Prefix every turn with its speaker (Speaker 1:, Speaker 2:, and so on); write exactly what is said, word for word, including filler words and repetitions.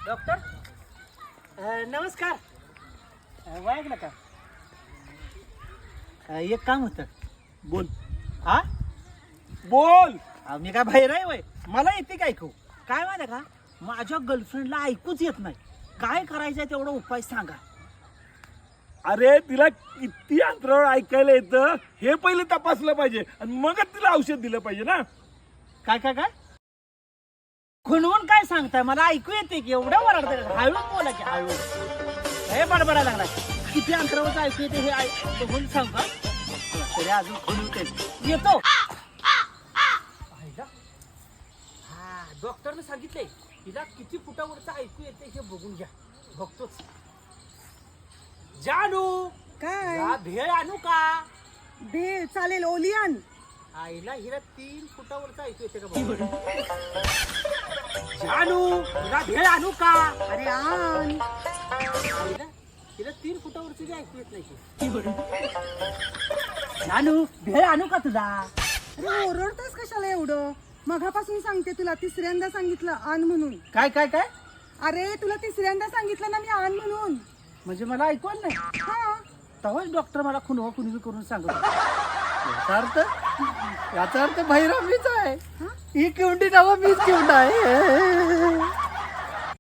Speaker 1: Doctor नमस्कार. वाईक नका. एक काम होतं.
Speaker 2: बोल
Speaker 1: हा
Speaker 2: बोल.
Speaker 1: अहो, मी काय बाहेर आहे वय मला येते काय ऐकू काय माहिती का माझ्या गर्लफ्रेंडला ऐकूच येत नाही. काय करायचंय तेवढा उपाय सांगा.
Speaker 2: अरे तिला किती अंतरावर ऐकायला येतं हे पहिले तपासलं पाहिजे आणि मगच तिला औषध दिलं पाहिजे ना.
Speaker 1: काय काय काय खुणवून काय सांगताय मला ऐकू येते की एवढं वरडत हळू बोला की हळू हे बडबडायला लागला. किती अंतरावरचं ऐकू येते हे ऐ- बघून सांग का तरी अजून खुणवते येतो. हा डॉक्टरने सांगितलंय तिला किती फुटावरचं ऐकू येते हे बघून घ्या. बघतोच. जानू
Speaker 3: काय
Speaker 1: या भेळ आणू का.
Speaker 3: भेळ चालेल ओलियन.
Speaker 1: आईला हिला तीन फुटावरचं ऐकू येते का बघ. जानू हिला भेळ आणू का.
Speaker 3: अरे आण.
Speaker 1: आईला हिला तीन फुटावरची बी ऐकू येत नाही की. जानू भेळ आणू का तुझा.
Speaker 3: अरे ओरडतोस कशाला एवढं. मगापासून सांगते तुला तिसऱ्यांदा सांगितलं आण म्हणून.
Speaker 1: काय काय काय
Speaker 3: अरे तुला तिसऱ्यांदा सांगितलं ना मी आण म्हणून.
Speaker 1: म्हणजे मला ऐकू आलं नाही.
Speaker 3: हा
Speaker 1: तेव्हाच डॉक्टर मला खुनवा खुनवी करून सांगत होता. याचा अर्थ याचा अर्थ भैरव मीच आहे. ही किवंडी नावा मीच किवंड आहे.